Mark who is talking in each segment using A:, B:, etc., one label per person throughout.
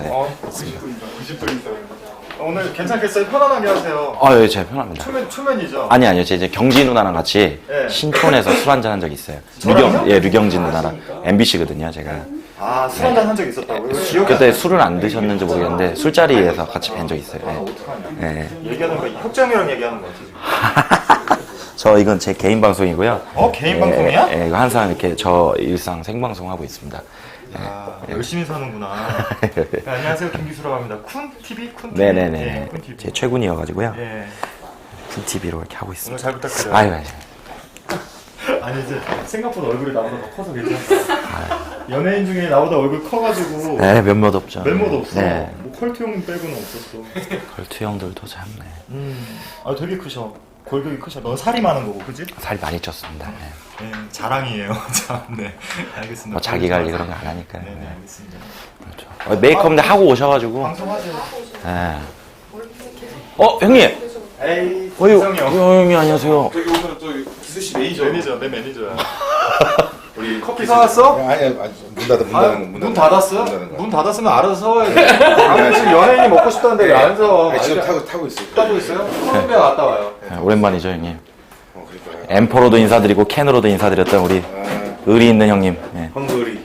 A: 네.
B: 90분이니까. 오늘 괜찮겠어요? 편안하게 하세요.
A: 예, 제가 편합니다.
B: 초면이죠?
A: 아니요. 제 이제 경지 누나랑 같이
B: 네.
A: 신촌에서 술 한잔 한 적이 있어요.
B: 저랑요?
A: 류경진 누나랑 MBC거든요, 제가.
B: 아, 술 한잔 한 적 있었다고요? 기억이
A: 그때
B: 안 나요.
A: 술을 안 드셨는지 모르겠는데 술자리에서 같이 뵌 적이 있어요.
B: 아,
A: 예.
B: 어떡하냐.
A: 예.
B: 얘기하는 거, 혁정이랑 얘기하는 거 같아, 지금.
A: 저 이건 제 개인 방송이고요.
B: 개인 방송이야?
A: 예, 이거 항상 이렇게 저 일상 생방송 하고 있습니다.
B: 아, 열심히 사는구나. 네, 안녕하세요, 김기수라고 합니다. 쿤TV? 쿤TV?
A: 네네네.
B: 네, 쿤TV.
A: 제 최군이어가지고요.
B: 예.
A: TV로 이렇게 하고
B: 오늘
A: 있습니다.
B: 잘 부탁드려요.
A: 아유.
B: 아니, 이제 생각보다 얼굴이 나보다 더 커서 괜찮다. 연예인 중에 나보다 얼굴 커가지고.
A: 네, 몇몇 없죠.
B: 면모도 없어.
A: 네.
B: 뭐 컬트 형 빼고는 없었어.
A: 걸투 형들도 참, 네.
B: 아, 되게 크셔. 골격이 크셔. 넌 살이 많은 거고, 그지?
A: 살이 많이 쪘습니다. 네.
B: 네, 자랑이에요. 참, 네. 알겠습니다.
A: 뭐 자기 관리 그런 거 안 하니까.
B: 네, 네,
A: 네.
B: 알겠습니다.
A: 그렇죠. 메이크업인데 하고 오셔가지고.
B: 방송하세요.
A: 네. 형님!
B: 에이,
A: 어유,
B: 성이 형.
A: 형님 안녕하세요.
C: 저기 오늘 저 기수 씨 매니저.
B: 내 매니저야.
C: 우리
B: 커피 사왔어?
C: 아니 문 닫아
B: 문 닫았어?
C: 닫은 거.
B: 문 닫았으면 알아서 서와야 돼. 아니, 지금 연예인이 먹고 싶다는데 왜 안 서?
C: 아니, 지금 타고 있어요.
B: 타고 있어요? 콜롬비아 갔다 와요.
A: 네, 오랜만이죠, 형님.
C: 그러니까요.
A: 엠퍼로도 인사드리고 캔으로도 인사드렸던 우리 의리 있는 형님. 네.
C: 헝그리.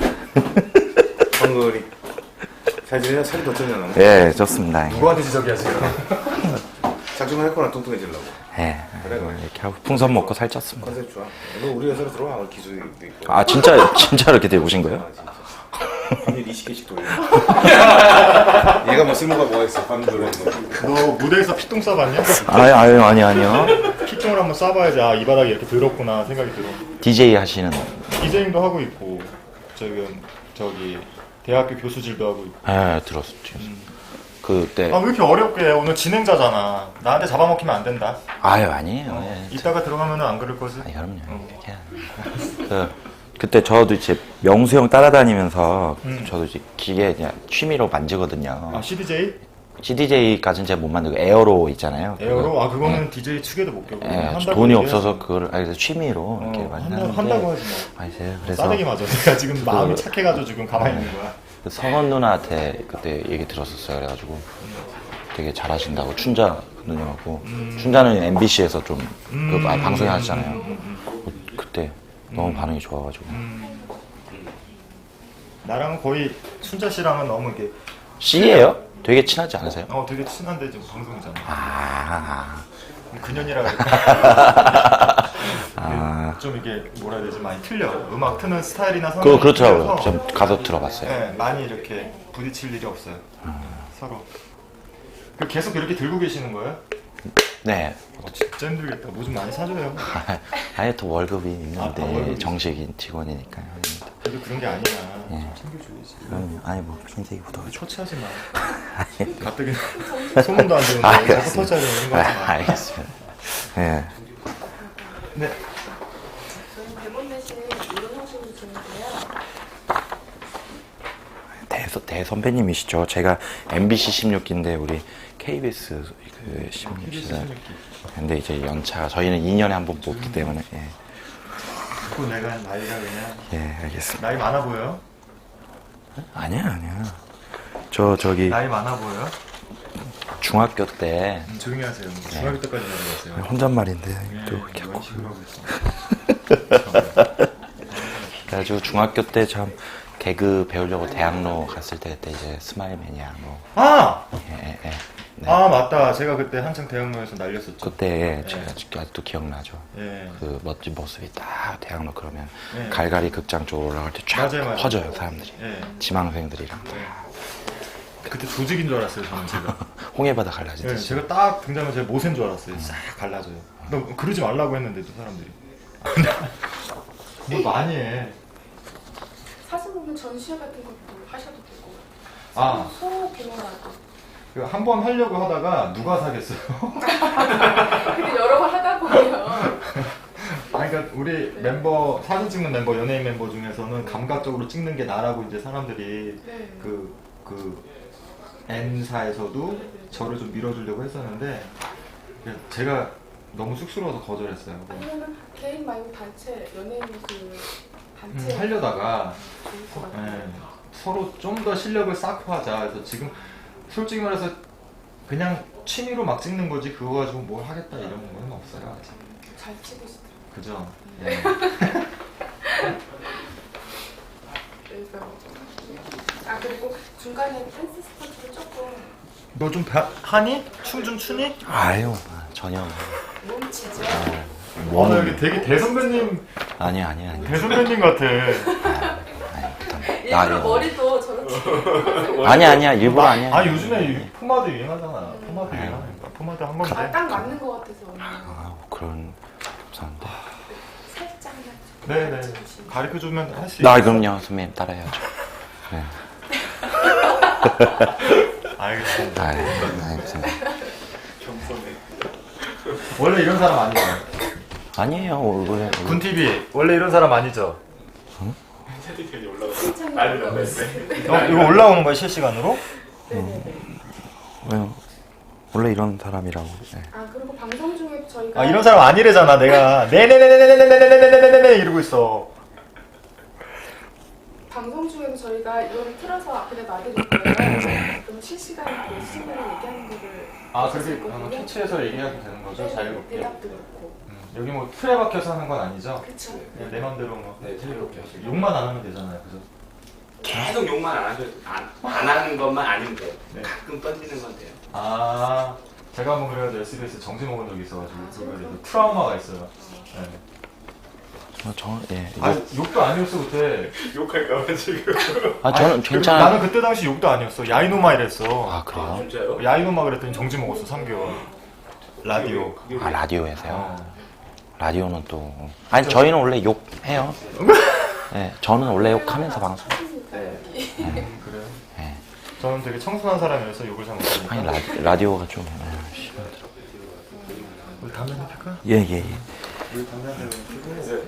C: 헝그리. 잘 지내냐? 살이 더 쪘냐 너?
A: 예, 좋습니다.
B: 누구한테 지적이야 지금?
C: 작정을 했거나 뚱뚱해지려고.
A: 예, 이렇게 하고 풍선 먹고 살쪘습니다.
C: 컨셉 좋아. 너 우리 회사로 들어와. 오늘 기술도 있고.
A: 아, 진짜 이렇게 되보신 거예요?
C: 진짜. 밤일 20개씩 돌려. 얘가 뭐 쓸모가 뭐가 있어? 밤 돌려.
B: 너 무대에서 피똥 싸봤냐?
A: 아니요.
B: 피똥을 한번 싸봐야지 이 바닥이 이렇게 더럽구나 생각이 들어.
A: DJ 하시는.
B: 디제잉도 하고 있고 지금 저기 대학교 교수질도 하고 있고.
A: 예, 들었죠. 그때.
B: 아 왜 이렇게 어렵게 해? 오늘 진행자잖아. 나한테 잡아먹히면 안 된다.
A: 아니에요. 예.
B: 이따가 들어가면은 안 그럴 거지?
A: 아니, 그럼요. 그렇게 그때 저도 이제 명수 형 따라다니면서 저도 이제 기계 그냥 취미로 만지거든요.
B: 아 CDJ?
A: CDJ까지는 제가 못 만들고 에어로 있잖아요.
B: 에어로? 아 그거는 DJ 축에도 못 껴고.
A: 예,
B: 한다고
A: 돈이
B: 얘기해야지.
A: 없어서 그걸 그래서 취미로 이렇게 많이 하는데.
B: 한다고 하지 뭐.
A: 아니세요? 그래서
B: 싸대기 맞아. 내가 지금 마음이 착해가지고 지금 가만히 있는 거야.
A: 그 성원 누나한테 그때 얘기 들었었어요. 그래가지고 되게 잘하신다고 춘자 누님하고 춘자는 MBC에서 좀 많이 방송에 하시잖아요. 그때 너무 반응이 좋아가지고
B: 나랑은 거의 춘자 씨랑은 너무 이렇게
A: C예요? 되게 친하지 않으세요?
B: 되게 친한데 지금 방송이잖아.
A: 아,
B: 근현이라 좀 이게 뭐라 해야 되지 많이 틀려. 음악 트는 스타일이나 성향이
A: 그렇더라고요.
B: 틀려서
A: 좀 가서 들어봤어요.
B: 네, 많이 이렇게 부딪힐 일이 없어요. 서로. 계속 이렇게 들고 계시는 거예요?
A: 네.
B: 진짜 힘들겠다. 뭐 좀 많이 사줘요.
A: 아예 또 월급이 있는데
B: 월급이
A: 정식인 직원이니까요.
B: 그래도 그런 게 아니야. 좀 챙겨줘야지.
A: 그럼요. 아니 뭐 흰색이 묻어가지고.
B: 초치하지 마. 가뜩이 소문도 안 되는데 자꾸 터치하려 이런 거 하지 마.
A: 알겠습니다. 예.
B: 네.
D: 저는 대본 대신 이런 형식으로 진행돼요.
A: 대선배님이시죠. 제가 MBC 16기인데 우리 KBS 그 16기는 근데 이제 연차가 저희는 2년에 한 번 뽑기 때문에 예.
B: 그 내가 나이가 그냥
A: 예, 알겠습니다.
B: 나이 많아 보여요?
A: 아니야. 저기
B: 나이 많아 보여요?
A: 중학교 때
B: 조용히 하세요. 중학교 때까지 내려갔어요.
A: 혼잣말인데 또
B: 네,
A: 이렇게
B: 이런 식으로 하고 있어.
A: 그래가지고 중학교 때 참 개그 배우려고 대학로 갔을 때 그때 이제 스마일 매니아 뭐
B: 아!
A: 예. 네.
B: 아 맞다. 제가 그때 한창 대학로에서 날렸었죠.
A: 그때 제가 아직도 기억나죠.
B: 예.
A: 그 멋진 모습이 딱 대학로 그러면
B: 네.
A: 갈갈이 극장 쪽으로 올라갈 때 쫙
B: 맞아요.
A: 퍼져요 사람들이.
B: 예.
A: 지망생들이랑
B: 그때 조직인 줄 알았어요. 저는 제가.
A: 홍해바다
B: 예,
A: 갈라지듯이.
B: 제가 딱 등장하면 제가 모세인 줄 알았어요. 싹 갈라져요. 너 그러지 말라고 했는데도 사람들이. 뭐 많이 해.
D: 사진 보면 전시회 같은 것도 하셔도 되고.
B: 아.
D: 소 개발하고.
B: 한 번 하려고 하다가 누가 사겠어요?
D: 근데 여러 번 하다 보면.
B: 아니, 그러니까 우리 멤버 사진 찍는 member 연예인 멤버 중에서는 감각적으로 찍는 게 나라고 이제 사람들이
D: 네.
B: 그 N사에서도 저를 좀 밀어주려고 했었는데 제가 너무 쑥스러워서 거절했어요.
D: 아니면 개인 말고 단체 연예인 그 단체
B: 하려다가
D: 좋을 것 같아요.
B: 서로 좀 더 실력을 쌓고 하자. 그래서 지금 솔직히 말해서 그냥 취미로 막 찍는 거지 그거 가지고 뭘 하겠다 이런 건 없어요 아직.
D: 잘 치고 있더라고요.
B: 그죠? 네.
D: 아 그리고 중간에 댄스 스포츠를 조금
B: 너 좀 하니? 춤 좀 추니?
A: 아유, 전혀.
D: 몸치죠.
B: 와, 나 여기 되게 대선배님
A: 아니야.
B: 대선배님 같아.
D: 일부러
A: 아니요.
D: 머리도 저렇게
A: 아니야, 일부러 아니야.
B: 아 요즘에 이 포마드 유행하잖아. 포마드 유행하니까 포마드 한 건데.
D: 딱 맞는 것 같아서 오늘
A: 아, 그런, 감사합니다.
D: 살짝만
B: 네네. 가르쳐 주면 할 수 있어.
A: 나 그럼요, 선배님 따라해야죠. 네.
B: 알겠습니다.
A: 알겠습니다.
B: 원래 이런 사람 아니죠?
A: 아니에요, 원래.
B: 군TV 원래 이런 사람 아니죠?
C: 세팅이 올라가.
D: 칭찬이
B: 이거 올라오는 거야 실시간으로?
A: 왜요? 원래 이런 사람이라고. 네.
D: 아 그리고 방송 중에 저희가
B: 아 이런 사람 아니래잖아 내가. 네네네네네네네네네네네 이러고 있어.
D: 방송 중에도 저희가 이거를 틀어서 앞에 놔드릴 거예요. 그럼 실시간으로 그 시청자를 얘기하는 거를
B: 아
D: 보실 수
B: 그렇게
D: 있거든요.
B: 캐치해서 얘기하면 되는 거죠?
D: 네,
B: 자유롭게.
D: 대답도 그렇고.
B: 여기 뭐 틀에 박혀서 하는 건 아니죠?
D: 그쵸.
B: 그냥 내 맘대로 뭐
C: 네, 자유롭게 하시고.
B: 욕만 안 하면 되잖아요, 그죠?
C: 계속 욕만 안 하는 것만 아니면 돼요.
B: 네.
C: 가끔 던지는 건 돼요.
B: 아 제가 한번 그래가지고 SBS 정지 먹은 적이 있어가지고 그거에 트라우마가 있어요. 네.
A: 예.
B: 아 욕도 아니었어 그때.
C: 욕할까봐 지금.
A: 저는 괜찮아요.
B: 나는 그때 당시 욕도 아니었어. 야이노마 이랬어.
A: 아, 그래요?
C: 진짜요?
B: 야이노마 그랬더니 정지 먹었어 3개월. 라디오.
A: 아, 라디오에서요?
B: 어.
A: 라디오는 또. 아니, 저희는 원래 욕해요. 네, 저는 원래 욕하면서 방송.
B: 그래요?
A: 네.
B: 저는 되게 청순한 사람이라서 욕을 잘 못하니까.
A: 아니, 라디오가 좀. 심하더라고요.
B: 우리 담배 한대 필까?
A: 예.
B: 우리 담배 한대 피고.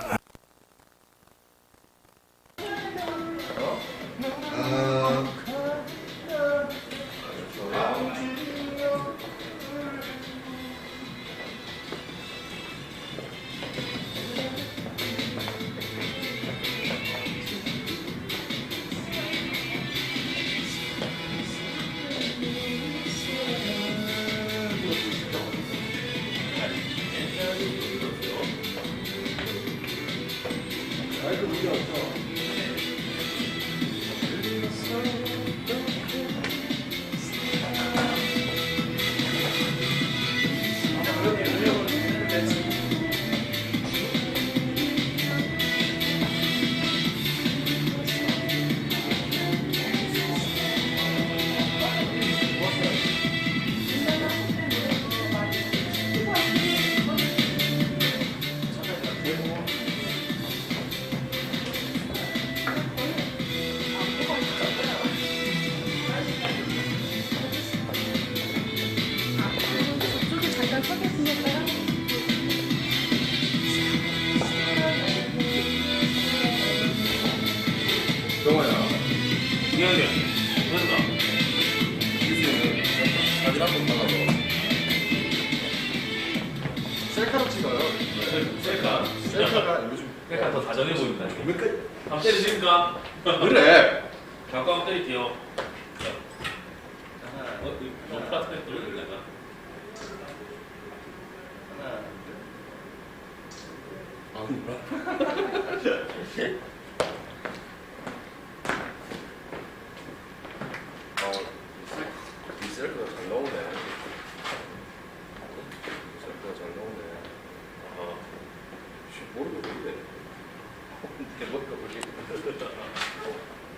D: 저쪽에 잠깐 서겠습니다.
C: 동아야. 미안해. 그런가? 사진 한번 나가서.
B: 셀카로 찍어요.
C: 셀카?
B: 셀카가 요즘
C: 셀카 더 다정해 보인다. 한번 때리십니까?
B: 그래.
C: 잠깐 한번 때릴게요. 너무 플라트에 떨어질래나? 아, 뭐라? 이 셀카가 잘 나오네. 셀카가 잘 나오네. 아, 모르겠는데. 내 머리가 왜 이렇게